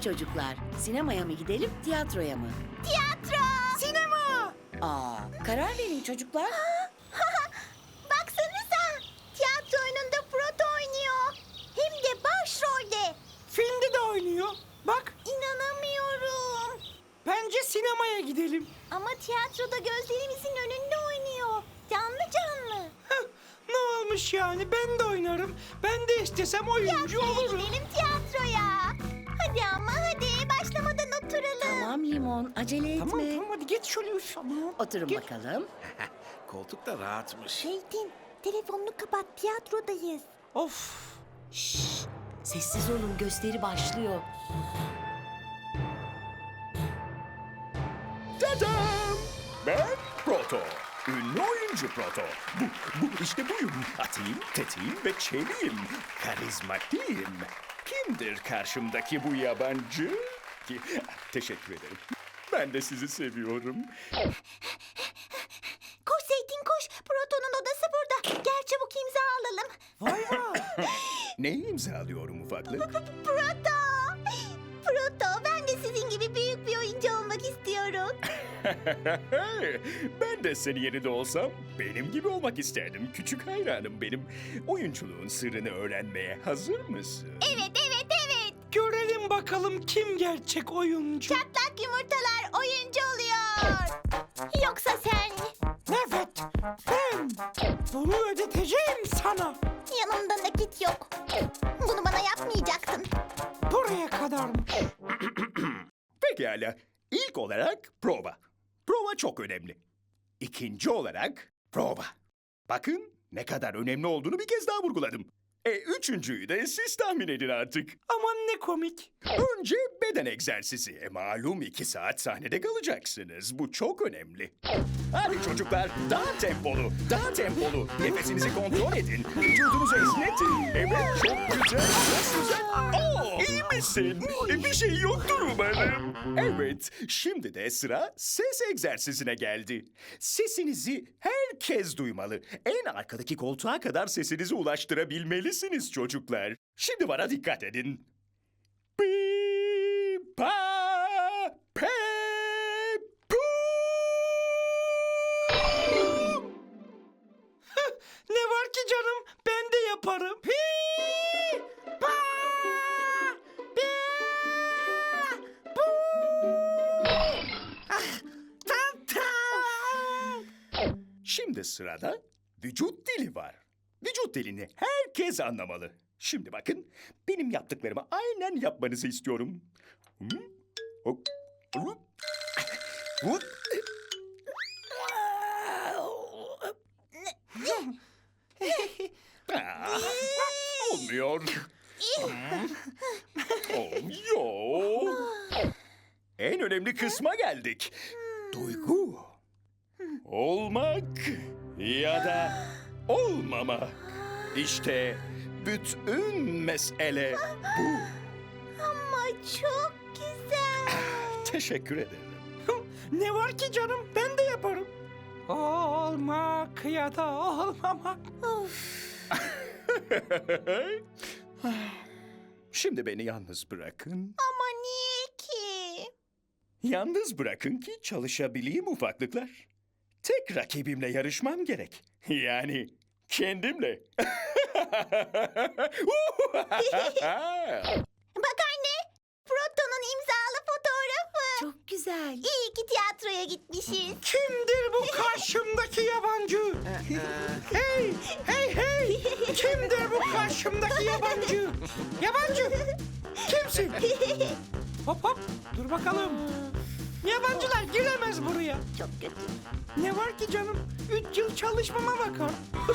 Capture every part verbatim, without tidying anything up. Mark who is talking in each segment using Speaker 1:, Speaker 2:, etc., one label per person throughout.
Speaker 1: çocuklar, sinemaya mı gidelim, tiyatroya mı?
Speaker 2: Tiyatro!
Speaker 3: Sinema!
Speaker 1: Aa, karar verin çocuklar.
Speaker 2: Baksanıza! Tiyatro oyununda Proto oynuyor. Hem de başrolde.
Speaker 3: Filmde de oynuyor. Bak,
Speaker 2: İnanamıyorum.
Speaker 3: bence sinemaya gidelim.
Speaker 2: Ama tiyatroda gözlerimizin önünde oynuyor. Canlı canlı.
Speaker 3: Heh, ne olmuş yani? Ben de oynarım. Ben de istesem oyuncu
Speaker 2: Tiyatroya
Speaker 3: olurum.
Speaker 2: gidelim tiyatroya. Hadi ama hadi başlamadan oturalım.
Speaker 1: Tamam Limon, acele etme.
Speaker 3: Tamam tamam hadi geç şöyle üf aman.
Speaker 1: Oturun
Speaker 3: Geç.
Speaker 1: bakalım.
Speaker 4: Koltuk da rahatmış.
Speaker 2: Zeytin, telefonunu kapat, tiyatrodayız.
Speaker 3: Of.
Speaker 1: Şşş, sessiz olun, gösteri başlıyor.
Speaker 4: Tadam! Ben Proto. Ünlü oyuncu Proto. Bu, bu işte buyum. Atayım, tetiğim ve çeliyim. Karizmatiğim. Kimdir karşımdaki bu yabancı? Ki, teşekkür ederim. Ben de sizi seviyorum.
Speaker 2: Koş Zeytin koş, Proto'nun odası burada. Gel çabuk imza alalım.
Speaker 3: Vay vay.
Speaker 4: Neyi imzalıyorum ufaklık?
Speaker 2: Proto! Proto, ben de sizin gibi büyük bir oyuncu olmak istiyorum.
Speaker 4: Ben de senin yerinde olsam benim gibi olmak isterdim. Küçük hayranım benim. Oyunculuğun sırrını öğrenmeye hazır mısın?
Speaker 2: Evet, evet, evet.
Speaker 3: Görelim bakalım kim gerçek oyuncu.
Speaker 2: Çatlak yumurtalar oyuncu oluyor. Yoksa sen
Speaker 3: Evet, ben bunu ödeteceğim sana.
Speaker 2: yanımda nakit yok. Bunu bana yapmayacaktın.
Speaker 3: Buraya kadarmış.
Speaker 4: Pekala. İlk olarak prova. Prova çok önemli. İkinci olarak prova. Bakın ne kadar önemli olduğunu bir kez daha vurguladım. E üçüncüyü de siz tahmin edin artık.
Speaker 3: Aman ne komik.
Speaker 4: Önce beden egzersizi. E, malum iki saat sahnede kalacaksınız. Bu çok önemli. Hadi çocuklar daha tempolu, daha tempolu. Nefesinizi kontrol edin. Vücudunuzu esnetin. Evet çok güzel, çok güzel. Oo, iyi misin? E, bir şey yoktur umarım. Evet, şimdi de sıra ses egzersizine geldi. Sesinizi herkes duymalı. En arkadaki koltuğa kadar sesinizi ulaştırabilmelisiniz çocuklar. Şimdi bana dikkat edin. Pi, pa, pe, pu.
Speaker 3: Ne var ki canım? Ben de yaparım. Hi, pa, pe, bu. Ah, tam tam.
Speaker 4: Şimdi sırada vücut dili var. Vücut dilini herkes anlamalı. Şimdi bakın, benim yaptıklarımı aynen yapmanızı istiyorum. Hı? Hop, hop, hop. Ah, olmuyor. Olmuyor. En önemli kısma geldik. Duygu. Olmak ya da olmama. İşte bütün mesele bu.
Speaker 2: Ama çok güzel.
Speaker 4: Teşekkür ederim.
Speaker 3: Ne var ki canım? Ben de yaparım. Olmak ya da olmamak.
Speaker 4: Şimdi beni yalnız bırakın.
Speaker 2: Ama niye ki?
Speaker 4: Yalnız bırakın ki çalışabileyim ufaklıklar. Tek rakibimle yarışmam gerek. Yani kendimle.
Speaker 2: Bak anne, Proto'nun imzalı fotoğrafı.
Speaker 1: Çok güzel.
Speaker 2: İyi ki tiyatroya gitmişiz.
Speaker 3: Kimdir bu karşımdaki yabancı? Hey, hey, hey! Kimdir bu karşımdaki yabancı? Yabancı! Kimsin? Hop hop, dur bakalım. Yabancılar giremez buraya.
Speaker 2: Çok kötü.
Speaker 3: Ne var ki canım? Üç yıl çalışmama bakar.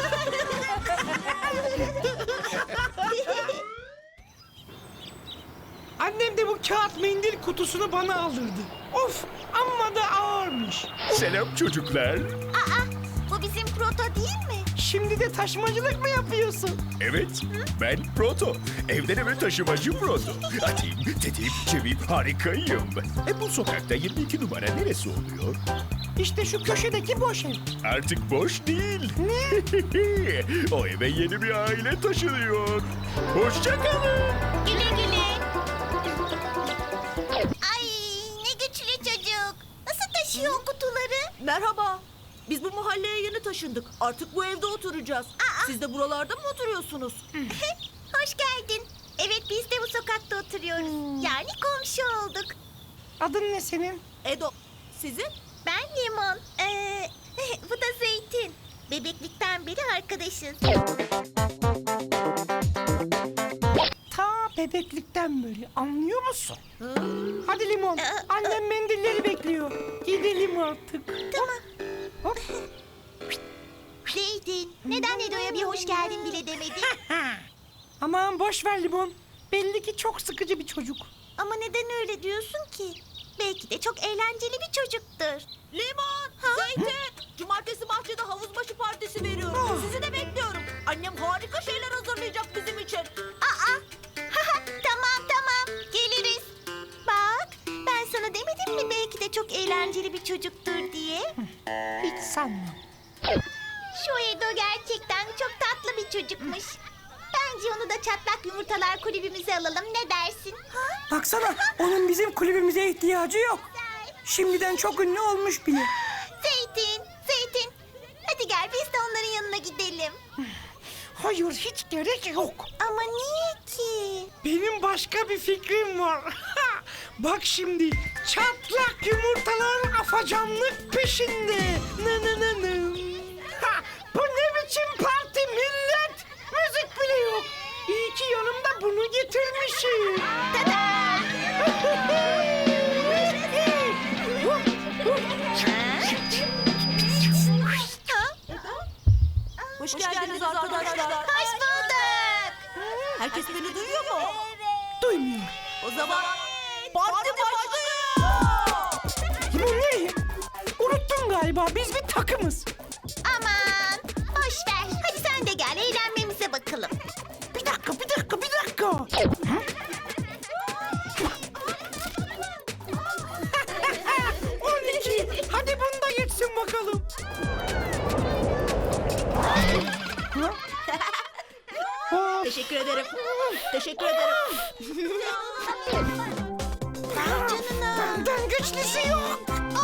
Speaker 3: Annem de bu kağıt mendil kutusunu bana aldırdı. Of, amma da ağırmış.
Speaker 4: Selam çocuklar.
Speaker 2: Aa, bu bizim Proto değil mi?
Speaker 3: Şimdi de taşımacılık mı yapıyorsun?
Speaker 4: Evet, ben Proto. Evden eve taşımacı Proto. Atayım, tetiğim, çeviyim, harikayım. E bu sokakta yirmi iki numara neresi oluyor?
Speaker 3: İşte şu köşedeki boş ev.
Speaker 4: Artık boş değil. O eve yeni bir aile taşınıyor. Hoşça kalın.
Speaker 2: Güle güle. taşıyor kutuları.
Speaker 5: Merhaba. Biz bu mahalleye yeni taşındık. Artık bu evde oturacağız. Siz de buralarda mı oturuyorsunuz?
Speaker 2: Hoş geldin. Evet, biz de bu sokakta oturuyoruz. Yani komşu olduk.
Speaker 3: Adın ne senin?
Speaker 5: Edo. Sizin?
Speaker 2: Ben Limon. Ee, bu da Zeytin. Bebeklikten beri arkadaşız.
Speaker 3: Ta bebeklikten böyle, anlıyor musun? Hadi Limon,
Speaker 2: Ee,
Speaker 3: annem mendilleri bekliyor. Gidelim artık.
Speaker 2: Tamam.
Speaker 3: Hop.
Speaker 2: Zeytin, neden Edo'ya bir hoş geldin bile demedin?
Speaker 3: Aman boş ver Limon. Belli ki çok sıkıcı bir çocuk.
Speaker 2: Ama neden öyle diyorsun ki? Belki de çok eğlenceli bir çocuktur.
Speaker 5: Limon, Zeytin. Cumartesi bahçede havuz başı partisi veriyorum. Sizi de bekliyorum. Annem harika şeyler hazırlayacak bizim için.
Speaker 2: Aa, tamam tamam, geliriz. Bak, ben sana demedim mi belki de çok eğlenceli bir çocuktur diye?
Speaker 3: Hiç sanmam.
Speaker 2: Şu Edo gerçekten çok tatlı bir çocukmuş. Bence onu da çatlak yumurtalar kulübümüze alalım, ne dersin? Ha?
Speaker 3: Baksana, onun bizim kulübümüze ihtiyacı yok. Şimdiden çok ünlü olmuş bile.
Speaker 2: Zeytin, Zeytin. Hadi gel biz de onların yanına gidelim.
Speaker 3: Hayır, hiç gerek yok.
Speaker 2: Ama niye ki?
Speaker 3: Benim başka bir fikrim var. Bak şimdi, çatlak yumurtalar afacanlık peşinde. Nı nı nı nı. Ha, bu ne biçim parti millet? Müzik bile yok. İyi ki yanımda bunu getirmişim.
Speaker 5: Hoş, geldiniz, arkadaşlar.
Speaker 2: Hoş bulduk.
Speaker 5: Herkes beni duyuyor mu?
Speaker 3: Duymuyor.
Speaker 5: O zaman parti başlıyor.
Speaker 3: Bu ne? Unuttun galiba, biz bir takımız.
Speaker 2: Aman, boş ver. Hadi sen de gel, eğlenmemize bakalım.
Speaker 3: Bir dakika, bir dakika, bir dakika. on iki. Hadi bunu da geçsin bakalım. Ha?
Speaker 5: Teşekkür ederim. Teşekkür ederim.
Speaker 2: Canına.
Speaker 3: Benden güçlüsü yok.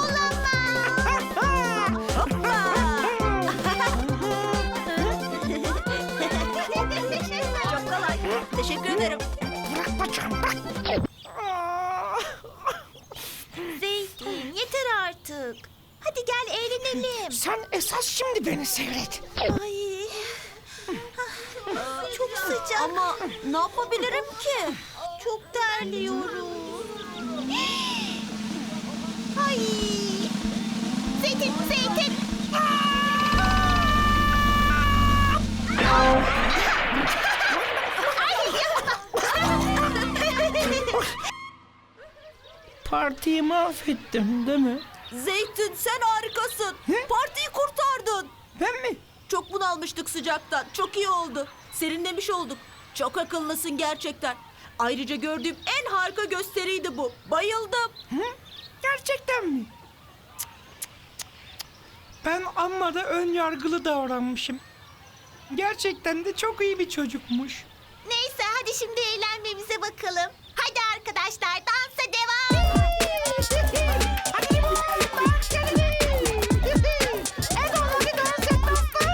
Speaker 5: Çok kolay. Teşekkür ederim.
Speaker 3: Bırak bacağım, bırak.
Speaker 2: Zeytin, yeter artık. Hadi gel eğlenelim.
Speaker 3: Sen esas şimdi beni seyret.
Speaker 2: Ay. Çok sıcak.
Speaker 5: Ama ne yapabilirim ki?
Speaker 2: Çok terliyorum. Ay. Zeytin, Zeytin.
Speaker 3: Partiyi mahvettim değil mi?
Speaker 5: Zeytin sen harikasın. Partiyi kurtardın.
Speaker 3: Ben mi?
Speaker 5: Çok bunalmıştık sıcaktan. Çok iyi oldu. Serinlemiş olduk. Çok akıllısın gerçekten. Ayrıca gördüğüm en harika gösteriydi bu. Bayıldım.
Speaker 3: Hı? Gerçekten mi? Cık, cık, cık, cık. Ben amma da ön yargılı davranmışım. Gerçekten de çok iyi bir çocukmuş.
Speaker 2: Neyse hadi şimdi eğlenmemize bakalım. Hadi arkadaşlar dansa devam.
Speaker 3: Hadi limon, dans edelim. Edo, hadi dans et,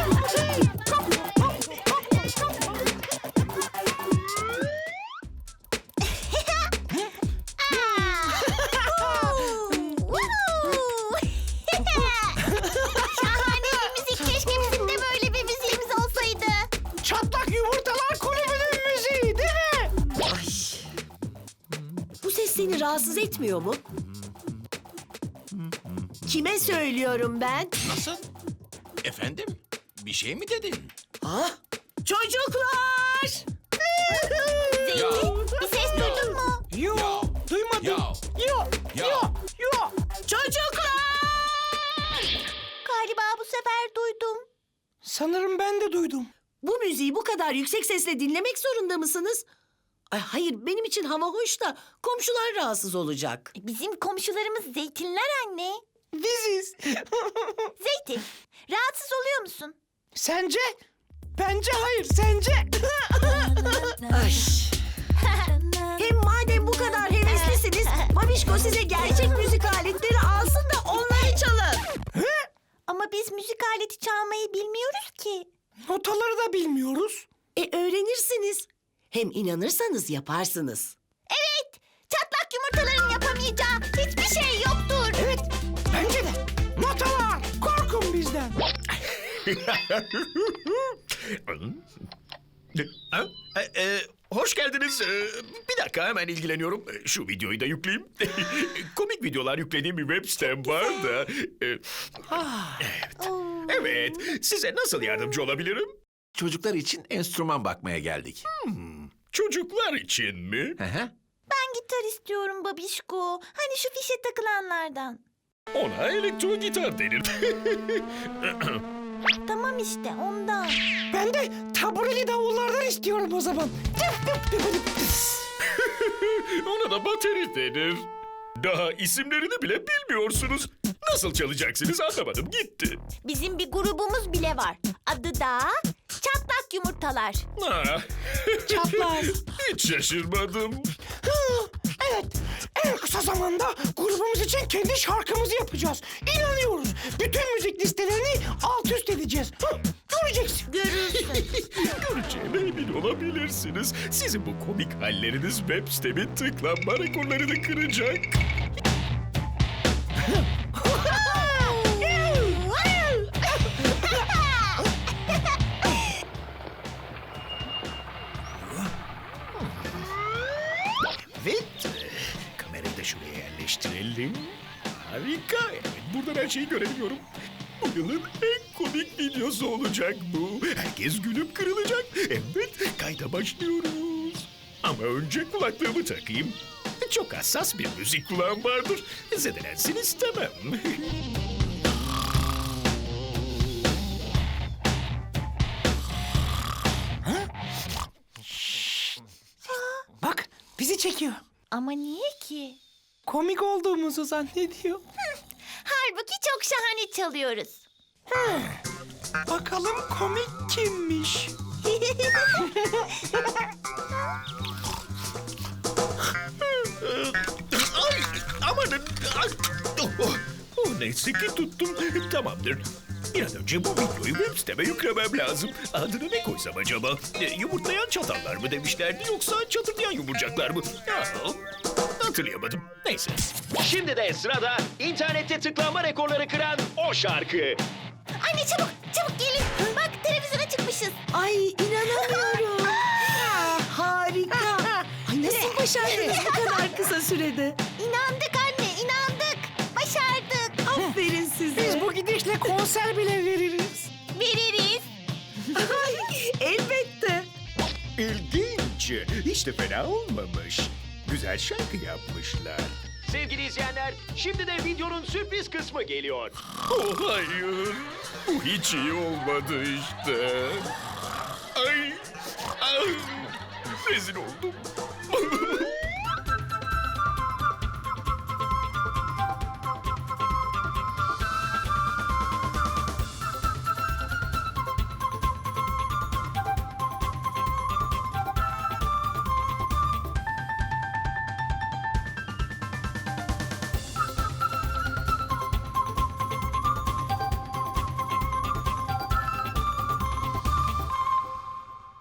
Speaker 2: Şahane bir müzik. Keşke bizim de böyle bir müziğimiz olsaydı.
Speaker 3: Çatlak Yumurtalar Kulübü'nün müziği değil mi?
Speaker 1: Bu ses seni rahatsız etmiyor mu? Kime söylüyorum ben?
Speaker 6: Nasıl? Efendim? Bir şey mi dedin?
Speaker 1: Ah, çocuklar!
Speaker 2: Zeytin bir ses duydun mu?
Speaker 3: Yo,
Speaker 6: Ya.
Speaker 3: duymadım.
Speaker 6: Ya.
Speaker 3: Yo,
Speaker 6: Ya.
Speaker 3: yo, yo.
Speaker 1: Çocuklar!
Speaker 2: Galiba bu sefer duydum.
Speaker 3: Sanırım ben de duydum.
Speaker 1: Bu müziği bu kadar yüksek sesle dinlemek zorunda mısınız? Ay hayır, benim için hava hoş da komşular rahatsız olacak.
Speaker 2: Bizim komşularımız zeytinler anne.
Speaker 3: Biziz.
Speaker 2: Zeytin, rahatsız oluyor musun?
Speaker 3: Sence? Bence hayır, sence?
Speaker 1: Ay. Hem madem bu kadar heveslisiniz, Babişko size gerçek müzik aletleri alsın da onlar
Speaker 3: Notaları da bilmiyoruz.
Speaker 1: E öğrenirsiniz. Hem inanırsanız yaparsınız.
Speaker 2: Evet, çatlak yumurtaların yapamayacağı hiçbir şey yoktur.
Speaker 3: Evet, bence de. Notalar, korkun bizden.
Speaker 6: Ha? E, e, hoş geldiniz. E, bir dakika hemen ilgileniyorum. E, Şu videoyu da yükleyeyim. Komik videolar yüklediğim bir web sitem var da. E, evet. Evet. Size nasıl yardımcı olabilirim?
Speaker 7: Çocuklar için enstrüman bakmaya geldik.
Speaker 6: Çocuklar için mi?
Speaker 7: Hı hı.
Speaker 2: Ben gitar istiyorum babişko. Hani şu fişe takılanlardan.
Speaker 6: Ona elektro gitar denir.
Speaker 2: Tamam işte ondan.
Speaker 3: Ben de tabureli davullardan istiyorum o zaman.
Speaker 6: Ona da bateri denir. Daha isimlerini bile bilmiyorsunuz. Nasıl çalacaksınız anlamadım gitti.
Speaker 2: Bizim bir grubumuz bile var. Adı da Çatlak Yumurtalar.
Speaker 6: Ha.
Speaker 3: Çatlak.
Speaker 6: Hiç şaşırmadım.
Speaker 3: Evet, en kısa zamanda grubumuz için kendi şarkımızı yapacağız. İnanıyoruz. Bütün müzik listelerini alt üst edeceğiz. Hı, göreceksin.
Speaker 2: Görürsün.
Speaker 6: Göreceğime emin olabilirsiniz. Sizin bu komik halleriniz web sitemin tıklanma rekorlarını kıracak. Evet. Kamerayı da şuraya yerleştirelim. Harika. Evet, buradan her şeyi görebiliyorum. Bu yılın en komik videosu olacak bu. Herkes gülüp kırılacak. Evet, kayda başlıyoruz. Ama önce kulaklığımı takayım. Çok hassas bir müzik kulağım vardır. Zedelensin istemem.
Speaker 3: Bak, bizi çekiyor.
Speaker 2: Ama niye ki?
Speaker 3: Komik olduğumuzu zannediyor.
Speaker 2: Halbuki çok şahane çalıyoruz.
Speaker 3: Bakalım komik kimmiş?
Speaker 6: Ay, amanın. Ay, oh, oh, oh, neyse ki tuttum. Tamamdır. Bir an önce bu videoyu web siteme yüklemem lazım. Adını ne koysam acaba? E, yumurtlayan çatallar mı demişlerdi yoksa çatırdayan yumurcaklar mı? Ya, hatırlayamadım. Neyse.
Speaker 8: Şimdi de sırada internette tıklanma rekorları kıran o şarkı.
Speaker 2: Anne çabuk çabuk gelin. Bak televizyona çıkmışız.
Speaker 1: Ay inanamıyorum. Harika. Ay nasıl başardınız bu kadar kısa sürede?
Speaker 2: İnandık anne inandık. Başardık.
Speaker 1: Aferin size.
Speaker 3: Biz bu gidişle konser bile veririz.
Speaker 2: Veririz.
Speaker 1: Elbette.
Speaker 4: İlginç. Hiç de fena olmamış. Güzel şarkı yapmışlar.
Speaker 8: Sevgili izleyenler, şimdi de videonun sürpriz kısmı geliyor.
Speaker 6: Oh hayır. Bu hiç iyi olmadı işte. Ay. Ay. Rezil oldum.